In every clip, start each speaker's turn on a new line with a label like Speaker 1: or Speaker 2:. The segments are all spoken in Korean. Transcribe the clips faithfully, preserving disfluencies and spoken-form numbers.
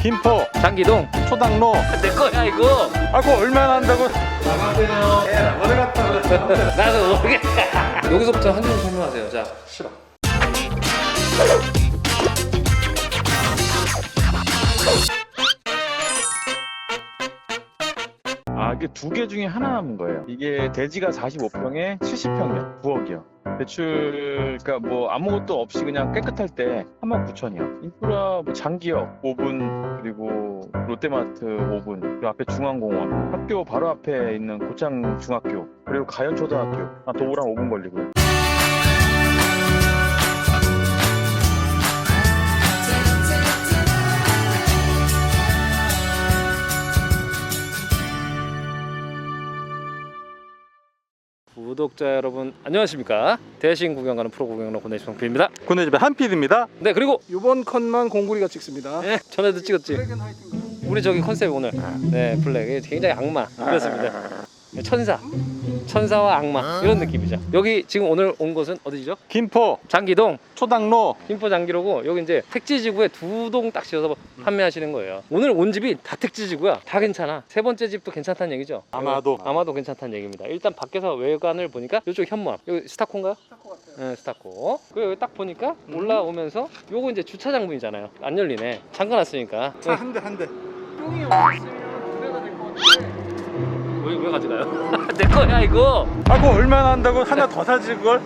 Speaker 1: 김포
Speaker 2: 장기동
Speaker 1: 초당로.
Speaker 2: 내 거야 이거.
Speaker 1: 아이고 얼마나 한다고. 나가세요. 에라 어디 갔다 그래.
Speaker 2: 나도 모르겠다. 여기서부터 한줄 설명하세요. 자,
Speaker 1: 싫어. 아, 이게 두 개 중에 하나 남은 거예요. 이게 대지가 사십오 평에 칠십 평이요. 구억이요. 대출, 그러니까 뭐 아무것도 없이 그냥 깨끗할 때 삼만 구천이요. 인프라 뭐 장기역 오 분, 그리고 롯데마트 오 분, 그리고 앞에 중앙공원, 학교 바로 앞에 있는 고창 중학교, 그리고 가연 초등학교, 아, 도보랑 오 분 걸리고요.
Speaker 2: 구독자 여러분 안녕하십니까? 대신 구경 가는 프로 구경러 고내시성필입니다.
Speaker 1: 고내집의 한필입니다.
Speaker 2: 네, 그리고
Speaker 3: 이번 컷만 공구리가 찍습니다.
Speaker 2: 네, 전에도 찍었지.
Speaker 3: 블랙 앤 화이트인가요?
Speaker 2: 우리 저기 컨셉 오늘 네 블랙 굉장히 악마 그렇습니다. 천사 천사와 악마 이런 느낌이죠. 여기 지금 오늘 온 곳은 어디죠?
Speaker 1: 김포
Speaker 2: 장기동
Speaker 1: 초당로.
Speaker 2: 김포 장기로고, 여기 이제 택지지구에 두 동 딱 지어서 판매하시는 거예요. 오늘 온 집이 다 택지지구야. 다 괜찮아. 세 번째 집도 괜찮다는 얘기죠.
Speaker 1: 아마도.
Speaker 2: 아마도 괜찮다는 얘기입니다. 일단 밖에서 외관을 보니까 이쪽 현무암, 여기 스타코인가요?
Speaker 3: 스타코 같아요.
Speaker 2: 네, 스타코. 그리고 여기 딱 보니까 올라오면서 요거 이제 주차장문이잖아요. 안 열리네. 잠가놨으니까.
Speaker 1: 차 한 대 한 대.
Speaker 3: 뿅이 없으면 두 대가 될 것 같은데.
Speaker 2: 왜, 왜 가져가요? 내 거야 이거.
Speaker 1: 아이고 얼마나 한다고 하나 더 사지 그걸?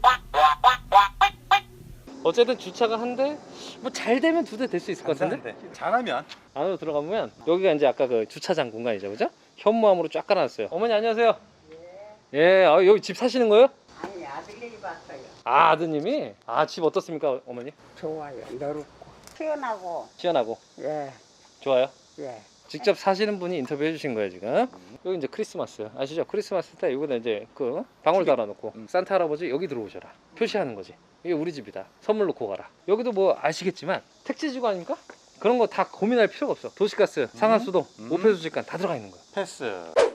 Speaker 2: 어쨌든 주차가 한 대, 뭐 잘 되면 두 대 될 수 있을 것 같은데?
Speaker 1: 잘하면.
Speaker 2: 안으로 들어가보면 여기가 이제 아까 그 주차장 공간이죠, 그죠? 현무암으로 쫙 깔아놨어요. 어머니 안녕하세요. 예, 아, 여기 집 사시는 거예요?
Speaker 4: 아니 아들이 봤어요.
Speaker 2: 아, 아드님이? 아, 집 어떻습니까, 어머니?
Speaker 4: 좋아요. 넓고 시원하고
Speaker 2: 시원하고
Speaker 4: 예
Speaker 2: 좋아요?
Speaker 4: 예.
Speaker 2: 직접 사시는 분이 인터뷰해 주신 거예요 지금. 여기 이제 크리스마스 아시죠? 크리스마스 때 여기다 이제 그 방울 달아놓고 산타 할아버지 여기 들어오셔라 표시하는 거지. 이게 우리 집이다, 선물 놓고 가라. 여기도 뭐 아시겠지만 택지지구 아닙니까? 그런 거 다 고민할 필요가 없어. 도시가스, 상하수도,
Speaker 1: 음.
Speaker 2: 오폐수지간 다 들어가 있는 거야.
Speaker 1: 패스.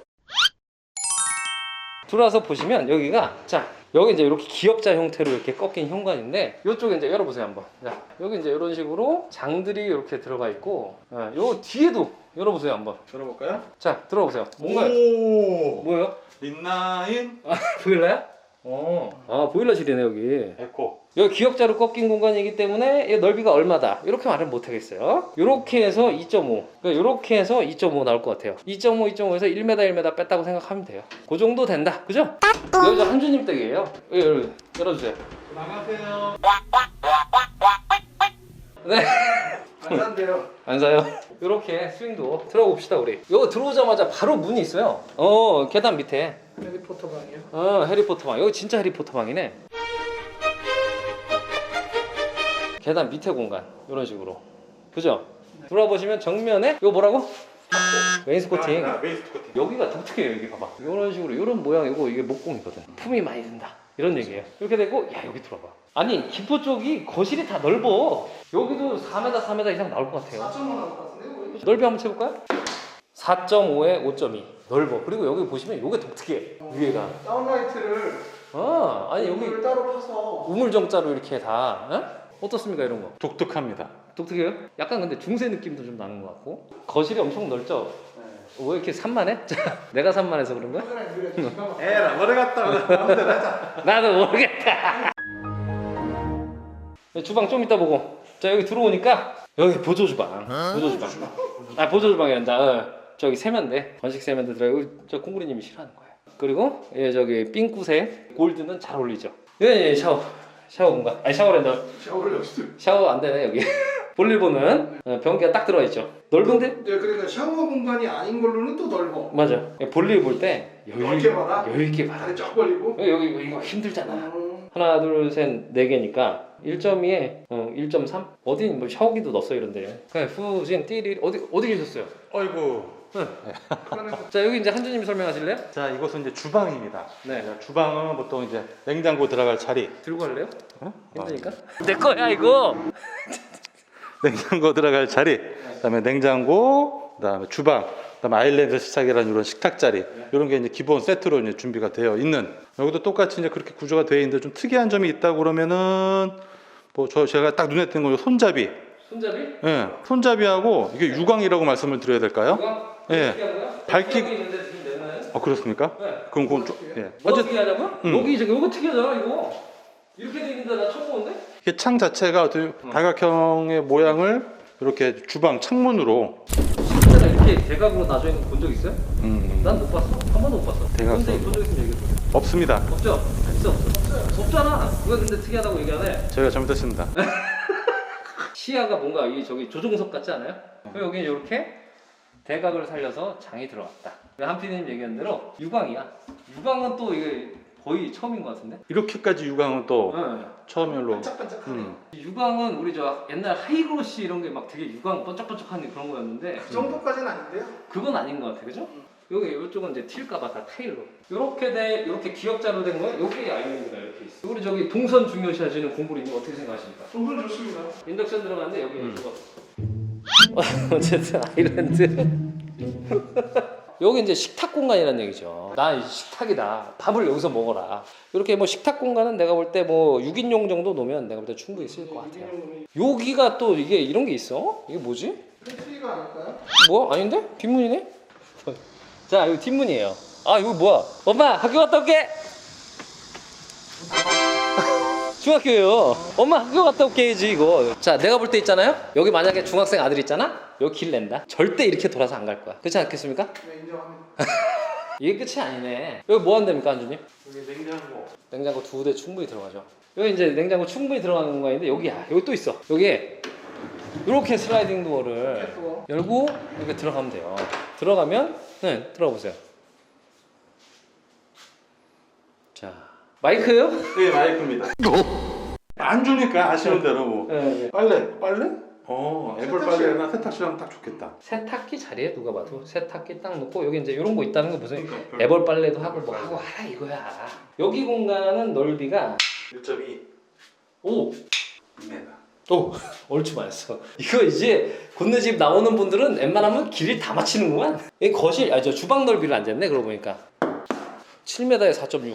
Speaker 2: 들어와서 보시면 여기가, 자 여기 이제 이렇게 기역자 형태로 이렇게 꺾인 현관인데, 이쪽에 이제 열어보세요 한번. 자 여기 이제 이런 식으로 장들이 이렇게 들어가 있고, 예, 요 뒤에도 열어보세요 한번.
Speaker 1: 들어볼까요?
Speaker 2: 자 들어보세요. 뭔가
Speaker 1: 오.
Speaker 2: 뭐예요?
Speaker 1: 린나인
Speaker 2: 아, 보일러야? 어. 아 보일러실이네 여기.
Speaker 1: 에코.
Speaker 2: 여기 기역자로 꺾인 공간이기 때문에 이 넓이가 얼마다 이렇게 말은 못 하겠어요. 이렇게 해서 이 점 오, 그러니까 이렇게 해서 이 점 오 나올 것 같아요. 이 점 오, 이 점 오에서 일 미터 일 미터 뺐다고 생각하면 돼요. 그 정도 된다, 그죠? 여기가 한주님 댁이에요. 여기, 여기 열어주세요.
Speaker 1: 나가세요.
Speaker 2: 네.
Speaker 3: 안 산대요.
Speaker 2: 안 사요? 이렇게 스윙도 들어가 봅시다 우리. 이거 들어오자마자 바로 문이 있어요. 어, 계단 밑에.
Speaker 3: 해리포터 방이요.
Speaker 2: 어, 해리포터 방. 여기 진짜 해리포터 방이네. 계단 밑에 공간 이런 식으로, 그죠? 들어와 보시면 정면에 이거 뭐라고? 웨인스코팅.
Speaker 1: 아, 웨이스코팅.
Speaker 2: 여기가 독특해요. 여기 봐봐. 이런 식으로 이런 모양이고, 이게 목공이거든. 품이 많이 든다 이런 얘기예요. 이렇게 되고, 야 여기 들어봐. 아니 김포 쪽이 거실이 다 넓어. 여기도 사 미터 사 미터 이상 나올 것 같아요.
Speaker 3: 사 점 오 나올 것 같은데?
Speaker 2: 넓이 한번 채볼까요? 사 점 오에 오 점 이 넓어. 그리고 여기 보시면 이게 독특해. 위에가.
Speaker 3: 다운라이트를
Speaker 2: 아, 아니 여기
Speaker 3: 물을 따로 파서
Speaker 2: 우물정자로 이렇게 다. 어? 어떻습니까 이런 거?
Speaker 1: 독특합니다.
Speaker 2: 독특해요? 약간 근데 중세 느낌도 좀 나는 것 같고. 거실이 엄청 넓죠?
Speaker 3: 네.
Speaker 2: 왜 이렇게 산만해? 내가 산만해서 그런 거야?
Speaker 3: 카메라에 물에 기가 막
Speaker 1: 에라 어디 갔다 그래. 마음대로 하자.
Speaker 2: 나도 모르겠다. 주방 좀 이따 보고. 자 여기 들어오니까 여기 보조 주방. 보조 주방. 아 보조 주방이란다. 어, 저기 세면대, 건식 세면대 들어. 여기 저 콩구리님이 싫어하는 거야. 그리고 예 저기 핑크색 골드는 잘 어울리죠. 예, 예 샤워. 샤워 공간. 아니 샤워랜다.
Speaker 3: 샤워를 여기서.
Speaker 2: 샤워 안 되네 여기. 볼일 보는 어, 변기가 딱 들어가 있죠. 넓은데?
Speaker 3: 네, 그러니까 샤워 공간이 아닌 걸로는 또 넓어.
Speaker 2: 맞아. 볼일 볼 때 여유
Speaker 3: 넓게 봐라.
Speaker 2: 여유 있게 봐라.
Speaker 3: 다리 쫙 벌리고.
Speaker 2: 여기 여기 이거 힘들잖아.
Speaker 3: 음.
Speaker 2: 하나 둘 셋 네 개니까 일 점 이에 어, 일 점 삼? 어디 뭐 샤워기도 넣었어 이런데. 그냥 후진 띠리 어디 어디 계셨어요?
Speaker 1: 어이구.
Speaker 2: 자 여기 이제 한주님이 설명하실래요?
Speaker 1: 자 이곳은 이제 주방입니다.
Speaker 2: 네.
Speaker 1: 자, 주방은 보통 이제 냉장고 들어갈 자리.
Speaker 2: 들고 갈래요?
Speaker 1: 어?
Speaker 2: 힘드니까? 내 거야 이거.
Speaker 1: 냉장고 들어갈 자리. 그다음에 냉장고, 그다음에 주방, 그다음에 아일랜드 식탁이라는 이런 식탁 자리. 이런 게 이제 기본 세트로 이제 준비가 되어 있는. 여기도 똑같이 이제 그렇게 구조가 되어 있는데 좀 특이한 점이 있다고 그러면은 뭐 저 제가 딱 눈에 띄는 건 손잡이.
Speaker 2: 손잡이?
Speaker 5: 예, 손잡이하고 이게 유광이라고 말씀을 드려야 될까요?
Speaker 2: 누가?
Speaker 5: 예.
Speaker 2: 어떻게 하는 거야?
Speaker 5: 밝기-
Speaker 2: 여기 있는데 지금 내는.
Speaker 5: 어 그렇습니까?
Speaker 2: 네.
Speaker 5: 그럼 그건 좀 예.
Speaker 2: 뭐
Speaker 5: 어쨌든
Speaker 2: 어떻게 하냐고요?
Speaker 5: 음.
Speaker 2: 여기 이제 이거 특이하잖아 이거. 이렇게 돼 있는데 나 처음 보는데?
Speaker 5: 이게 창 자체가 어떻게 다각형의 모양을 이렇게 주방 창문으로
Speaker 2: 진짜 이렇게 대각으로 나져 있는 거 본 적 있어요?
Speaker 5: 음,
Speaker 2: 난 못 봤어. 한 번도 못 봤어.
Speaker 5: 대각선.
Speaker 2: 근데 본적 있으면 얘기해 줘.
Speaker 5: 없습니다.
Speaker 2: 없죠? 있어 없어. 없잖아. 그거 근데 특이하다고 얘기하네.
Speaker 5: 저희가 잘못했습니다.
Speaker 2: 시야가 뭔가 이 저기 조종석 같지 않아요? 그리고 여기 이렇게 대각을 살려서 장이 들어갔다. 한피디님 얘기한 대로 유광이야. 유광은 또 이게 거의 처음인 것 같은데?
Speaker 5: 이렇게까지 유광은 또
Speaker 2: 네.
Speaker 5: 처음으로
Speaker 3: 반짝반짝하네.
Speaker 5: 음.
Speaker 2: 유광은 우리 저 옛날 하이그로시 이런 게 막 되게 유광 번쩍번쩍한 그런 거였는데
Speaker 3: 그 정도까지는 아닌데요?
Speaker 2: 그건 아닌 것 같아, 그죠? 여기 이쪽은 이제 튈까봐 다 타일로. 이렇게 돼, 이렇게 기역자로 된 거예요. 여기 아이언이가 이렇게 있어. 우리 저기 동선 중요시 하시는 공부리님 어떻게 생각하십니까?
Speaker 3: 동선 좋습니다.
Speaker 2: 인덕션 들어갔는데 여기
Speaker 5: 음.
Speaker 2: 이거. 어쨌든 아일랜드. 여기 이제 식탁 공간이라는 얘기죠. 나 이 식탁이다. 밥을 여기서 먹어라. 이렇게 뭐 식탁 공간은 내가 볼 때 뭐 육 인용 정도 놓으면 내가 볼 때 충분히 쓸 것 같아요. 여기가 또 이게 이런 게 있어? 이게 뭐지?
Speaker 3: 패트리가 아닐까요?
Speaker 2: 뭐? 아닌데? 뒷문이네? 자, 이거 뒷문이에요. 아, 이거 뭐야? 엄마, 학교 갔다 올게! 중학교예요. 엄마, 학교 갔다 올게 해야지, 이거. 자, 내가 볼 때 있잖아요? 여기 만약에 중학생 아들 있잖아? 여기 길 낸다? 절대 이렇게 돌아서 안 갈 거야. 그렇지 않겠습니까?
Speaker 3: 네, 인정합니다.
Speaker 2: 이게 끝이 아니네. 여기 뭐 한답니까, 안주님?
Speaker 3: 여기 냉장고.
Speaker 2: 냉장고 두 대 충분히 들어가죠. 여기 이제 냉장고 충분히 들어가는 공간인데, 여기야. 여기 또 있어. 여기에 이렇게 슬라이딩 도어를
Speaker 3: 또
Speaker 2: 열고 이렇게 들어가면 돼요. 들어가면 네 들어가 보세요. 자 마이크요?
Speaker 5: 네 마이크입니다. 안 주니까 아쉬운 대로 뭐.
Speaker 2: 네, 네.
Speaker 5: 빨래 빨래? 어 애벌 빨래나 세탁실하면 딱 좋겠다.
Speaker 2: 세탁기 자리에 누가 봐도 세탁기 딱 놓고 여기 이제 이런 거 있다는 거 보세요.
Speaker 5: 그러니까
Speaker 2: 애벌 빨래도 하고 뭐 하고 하라 이거야. 여기 공간은 넓이가
Speaker 5: 일 점 이
Speaker 2: 오.
Speaker 5: 미터.
Speaker 2: 오, 얼추 맞았어. 이거 이제 곤네 집 나오는 분들은 웬만하면 길을 다 맞히는구만. 이 거실, 아 저 주방 넓이를 안 쟀네 그러고 보니까 칠 미터에 사 점 육.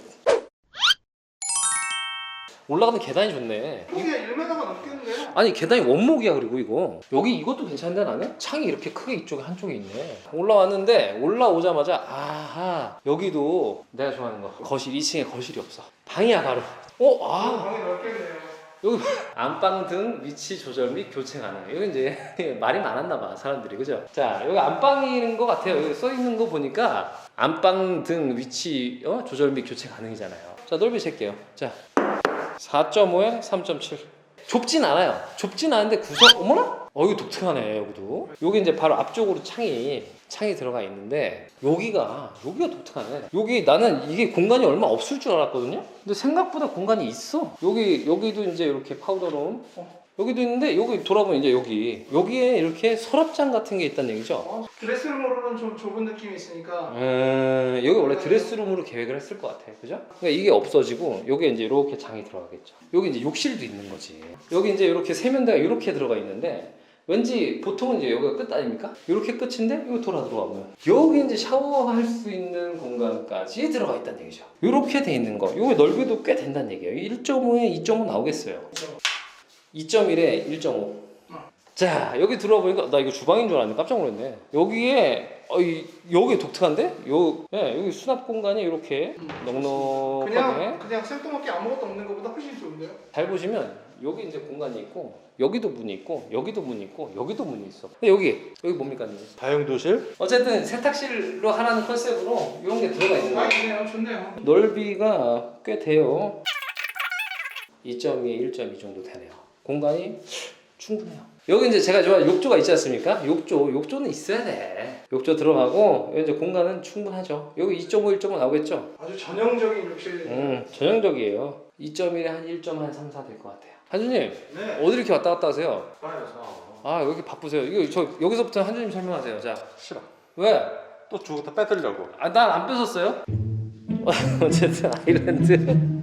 Speaker 2: 올라가는 계단이 좋네.
Speaker 3: 이게 일 미터가 넘겠는데요?
Speaker 2: 아니 계단이 원목이야. 그리고 이거 여기 이것도 괜찮은데 나는 창이 이렇게 크게 이쪽에 한쪽에 있네. 올라왔는데 올라오자마자 아하 여기도 내가 좋아하는 거 거실 이 층에 거실이 없어. 방이야 바로. 어, 아
Speaker 3: 방이 넓겠네요.
Speaker 2: 여기 안방 등 위치 조절 및 교체 가능. 여기 이제 말이 많았나 봐 사람들이, 그죠? 자 여기 안방인 것 같아요. 여기 써 있는 거 보니까 안방 등 위치 어? 조절 및 교체 가능이잖아요. 자 넓이 잴게요. 자 사 점 오에 삼 점 칠. 좁진 않아요. 좁진 않은데 구석 어머나? 어 이거 독특하네. 여기도 여기 이제 바로 앞쪽으로 창이 창이 들어가 있는데 여기가 여기가 독특하네. 여기 나는 이게 공간이 얼마 없을 줄 알았거든요. 근데 생각보다 공간이 있어. 여기 여기도 이제 이렇게 파우더룸 어, 여기도 있는데 여기 돌아보면 이제 여기 여기에 이렇게 서랍장 같은 게 있다는 얘기죠.
Speaker 3: 어, 드레스룸으로는 좀 좁은 느낌이 있으니까
Speaker 2: 음, 여기 원래 드레스룸으로 계획을 했을 것 같아, 그죠? 그러니까 이게 없어지고 여기 이제 이렇게 장이 들어가겠죠. 여기 이제 욕실도 있는 거지. 여기 이제 이렇게 세면대가 이렇게 들어가 있는데 왠지 보통은 이제 여기가 끝 아닙니까? 이렇게 끝인데 이거 돌아 들어가면 여기 이제 샤워할 수 있는 공간까지 들어가 있다는 얘기죠. 이렇게 돼 있는 거. 이거 넓이도 꽤 된다는 얘기예요. 일 점 오에 이 점 오 나오겠어요. 이 점 일에 일 점 오. 자 여기 들어와 보니까 나 이거 주방인 줄 알았는데 깜짝 놀랐네. 여기에 어, 이, 여기 독특한데? 요, 네, 여기 수납 공간이 이렇게 넉넉하게
Speaker 3: 그냥 그냥 생뚱맞게 아무것도 없는 것보다 훨씬 좋은데요?
Speaker 2: 잘 보시면 여기 이제 공간이 있고 여기도 문이 있고 여기도 문이 있고 여기도 문이 있어. 근데 여기 여기 뭡니까?
Speaker 5: 다용도실.
Speaker 2: 어쨌든 세탁실로 하라는 컨셉으로 이런 게 들어가 있는
Speaker 3: 아
Speaker 2: 거예요.
Speaker 3: 좋네요, 좋네요.
Speaker 2: 넓이가 꽤 돼요. 이 점 이, 일 점 이 정도 되네요. 공간이 충분해요. 여기 이제 제가 좋아하는 욕조가 있지 않습니까? 욕조, 욕조는 있어야 돼. 욕조 들어가고 여기 이제 공간은 충분하죠. 여기 이 점 오, 일 점 오 나오겠죠?
Speaker 3: 아주 전형적인 욕실.
Speaker 2: 음, 전형적이에요. 이 점 일에 한 일 점 삼, 사 될 것 같아요. 한주님,
Speaker 5: 네.
Speaker 2: 어디 이렇게 왔다 갔다 하세요?
Speaker 5: 빨려서.
Speaker 2: 아, 여기 바쁘세요. 이거 저 여기서부터 한주님 설명하세요. 자,
Speaker 5: 싫어.
Speaker 2: 왜?
Speaker 5: 또 주고 다 뺏으려고.
Speaker 2: 아, 난 안 뺏었어요. 어쨌든 아일랜드.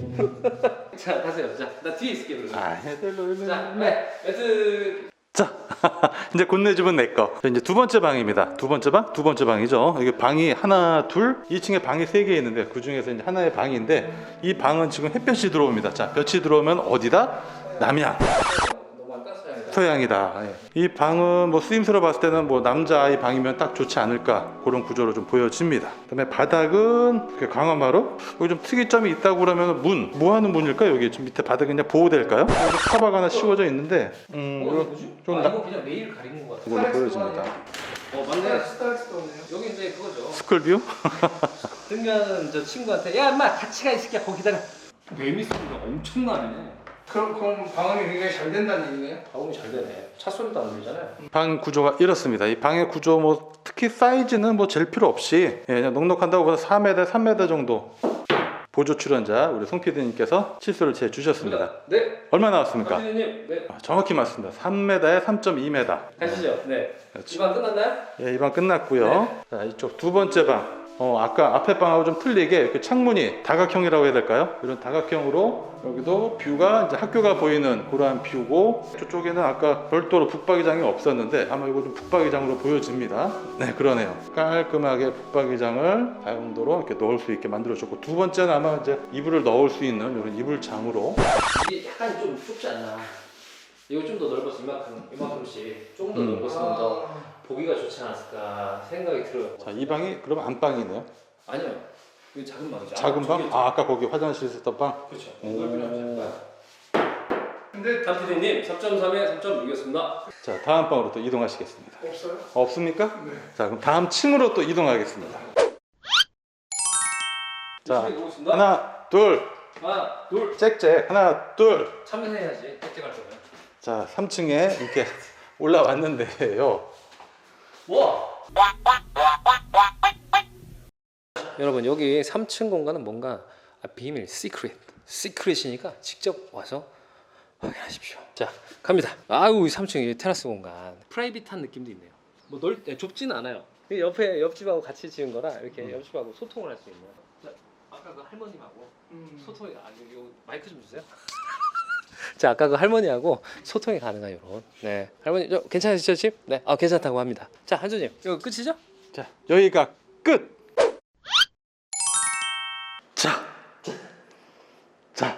Speaker 2: 자, 가세요. 자, 나 뒤에 있을게 그러면.
Speaker 5: 아 해들로
Speaker 2: 자, 네, 매트.
Speaker 5: 자, 이제 곤네 집은 내 거. 이제 두 번째 방입니다. 두 번째 방? 두 번째 방이죠. 이게 방이 하나, 둘, 이 층에 방이 세 개 있는데 그 중에서 이제 하나의 방인데 이 방은 지금 햇볕이 들어옵니다. 자, 볕이 들어오면 어디다? 남향.
Speaker 2: 너무 안 깠어요.
Speaker 5: 마스터향이다. 예. 이 방은 뭐 쓰임새로 봤을 때는 뭐 남자아이 방이면 딱 좋지 않을까 그런 구조로 좀 보여집니다. 그다음에 바닥은 이렇게 강화마루. 여기 좀 특이점이 있다고 그러면 문. 뭐 하는 문일까요? 여기 좀 밑에 바닥이 그냥 보호될까요? 여기 카바가 하나 씌워져 있는데 음,
Speaker 2: 어,
Speaker 5: 이거
Speaker 2: 이거 뭐지?
Speaker 5: 좀
Speaker 2: 아,
Speaker 5: 나-
Speaker 2: 이거 그냥 레일 가리는 거 같아.
Speaker 5: 이걸로 보여집니다.
Speaker 2: 어 맞네.
Speaker 3: 스타렉스도 없네요.
Speaker 2: 여기 이제 그거죠.
Speaker 5: 스쿨뷰?
Speaker 2: 등교하는 저 친구한테 야 인마 같이 가 이 새끼야 거기 기다려. 매미 소리가 엄청나네.
Speaker 3: 그럼 그럼 방음이 굉장히 잘 된다는 얘기네요.
Speaker 2: 방음이 잘 되네. 차 소리도 안 들리잖아요.
Speaker 5: 방 구조가 이렇습니다. 이 방의 구조 뭐 특히 사이즈는 뭐 잴 필요 없이 예, 그냥 넉넉한다고 보다 사 미터, 삼 미터 정도 보조 출연자 우리 송 피디님께서 치수를 재 주셨습니다.
Speaker 2: 네.
Speaker 5: 얼마 나왔습니까?
Speaker 2: 피디님, 네.
Speaker 5: 아, 정확히 맞습니다. 삼 미터에 삼 점 이 미터.
Speaker 2: 가시죠. 네.
Speaker 5: 그렇죠.
Speaker 2: 이방 끝났나요?
Speaker 5: 예, 이 방 끝났고요. 자, 이쪽 두 번째 방. 어, 아까 앞에 방하고 좀 틀리게 이렇게 창문이 다각형이라고 해야 될까요? 이런 다각형으로 여기도 뷰가 이제 학교가 보이는 그러한 뷰고 저쪽에는 아까 별도로 북박이장이 없었는데 아마 이거 좀 북박이장으로 보여집니다. 네, 그러네요. 깔끔하게 북박이장을 다용도로 이렇게 넣을 수 있게 만들어줬고 두 번째는 아마 이제 이불을 넣을 수 있는 이런 이불장으로
Speaker 2: 이게 약간 좀 좁지 않나? 이거 좀 더 넓었으면 이만큼, 이만큼씩 조금 더
Speaker 5: 음.
Speaker 2: 넓었으면 더 보기가 좋지 않았을까 생각이 들어요.
Speaker 5: 자, 이 방이 그러면 안방이네요.
Speaker 2: 아니요. 이거 작은 방이죠.
Speaker 5: 작은
Speaker 2: 아,
Speaker 5: 방?
Speaker 2: 저기,
Speaker 5: 아, 아까 거기 화장실 있었던 방?
Speaker 2: 그렇죠.
Speaker 5: 오.
Speaker 2: 넓이랑 작은 방.
Speaker 3: 근데
Speaker 2: 담피디님 삼 점 삼에 삼 점 육이었습니다.
Speaker 5: 자, 다음 방으로 또 이동하시겠습니다.
Speaker 3: 없어요?
Speaker 5: 없습니까?
Speaker 3: 네.
Speaker 5: 자, 그럼 다음 층으로 또 이동하겠습니다. 자,
Speaker 2: 하나,
Speaker 5: 하나, 둘,
Speaker 2: 하나, 둘.
Speaker 5: 짹짹, 하나, 둘.
Speaker 2: 참여해야지. 획득할 거면.
Speaker 5: 자, 삼 층에 이렇게 올라왔는데요.
Speaker 2: 와. 여러분 여기 삼 층 공간은 뭔가 비밀, 시크릿, 시크릿이니까 직접 와서 확인하십시오. 자, 갑니다. 아우, 삼 층 이 테라스 공간, 프라이빗한 느낌도 있네요. 뭐 넓, 네, 좁지는 않아요. 이 옆에 옆집하고 같이 지은 거라 이렇게
Speaker 5: 음.
Speaker 2: 옆집하고 소통을 할 수 있는. 자, 아까 그 할머님하고
Speaker 3: 음.
Speaker 2: 소통이 아, 이거 마이크 좀 주세요. 자, 아까 그 할머니하고 소통이 가능한 이런. 네, 할머니 저 괜찮으시죠, 집? 네, 아 괜찮다고 합니다. 자, 한주님 이거 끝이죠?
Speaker 5: 자, 여기가 끝. 자, 자,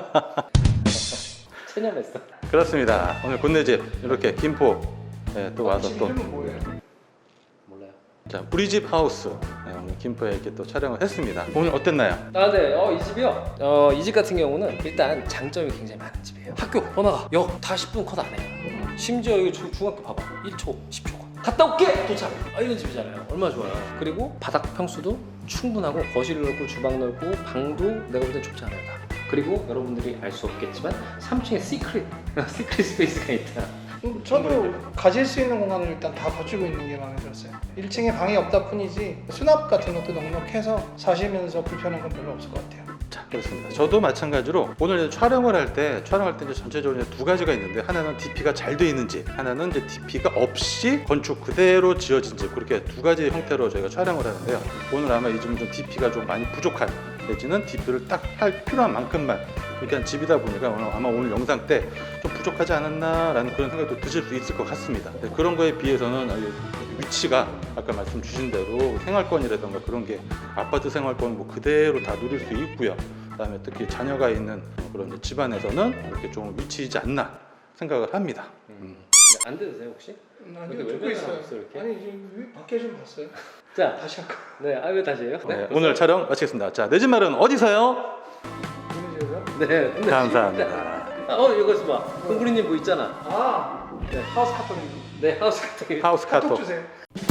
Speaker 2: 체념했어.
Speaker 5: 그렇습니다. 오늘 군내집 이렇게 김포 네, 또 와서 또
Speaker 3: 이름은 뭐예요?
Speaker 2: 몰라요.
Speaker 5: 자, 우리 집 하우스 네, 오늘 김포에 이렇게 또 촬영을 했습니다. 오늘 어땠나요?
Speaker 2: 아, 네. 어, 이 집이요. 어, 이 집 같은 경우는 일단 장점이 굉장히 많은 집이에요. 학교 번화가 역 다 십 분 컷 안 해요. 심지어 여기 중- 중학교 봐봐. 일 초, 십 초 컷. 갔다 올게 도착. 아, 이런 집이잖아요. 얼마나 좋아요. 그리고 바닥 평수도 충분하고 거실 넓고 주방 넓고 방도 내가 볼 때 좁지 않아요. 다. 그리고 여러분들이 알 수 없겠지만 삼 층에 시크릿 시크릿 스페이스가 있다.
Speaker 3: 음, 저도 가질 수 있는 공간을 일단 다 갖추고 있는 게 마음에 들었어요. 일 층에 방이 없다 뿐이지 수납 같은 것도 넉넉해서 사시면서 불편한 건 별로 없을 것 같아요.
Speaker 5: 자, 그렇습니다. 저도 마찬가지로 오늘 이제 촬영을 할 때 촬영할 때 이제 전체적으로 이제 두 가지가 있는데 하나는 디피가 잘 돼 있는지 하나는 이제 디피가 없이 건축 그대로 지어진 집 그렇게 두 가지 형태로 저희가 촬영을 하는데요. 오늘 아마 이 집은 좀 디피가 좀 많이 부족한 내지는 디피를 딱 할 필요한 만큼만 이렇게 한 집이다 보니까 오늘 아마 오늘 영상 때 좀 부족하지 않았나라는 그런 생각도 드실 수 있을 것 같습니다. 네, 그런 거에 비해서는 위치가 아까 말씀 주신 대로 생활권이라던가 그런 게 아파트 생활권 뭐 그대로 다 누릴 수 있고요. 그다음에 특히 자녀가 있는 그런 집안에서는 이렇게 좀 위치이지 않나 생각을 합니다. 음.
Speaker 2: 안 되세요 혹시?
Speaker 3: 음, 아니요,
Speaker 2: 이렇게
Speaker 3: 듣고
Speaker 2: 외면을
Speaker 3: 있어요.
Speaker 2: 하고 있어, 이렇게?
Speaker 3: 아니 지금 밖에 좀 봤어요.
Speaker 2: 자,
Speaker 3: 다시 할까?
Speaker 2: 네. 아, 왜 다시 해요?
Speaker 5: 네, 오늘 촬영 마치겠습니다. 자, 내 집 마련 어디서요?
Speaker 3: 누구 집에서?
Speaker 2: 네. 근데
Speaker 5: 감사합니다.
Speaker 2: 아, 어, 이거 봐. 홍구리님 뭐 있잖아.
Speaker 3: 아,
Speaker 2: 네.
Speaker 3: 하우스 카톡.
Speaker 2: 네, 하우스 같은 게.
Speaker 5: 하우스
Speaker 3: 카톡
Speaker 5: 카톡.
Speaker 3: 주세요.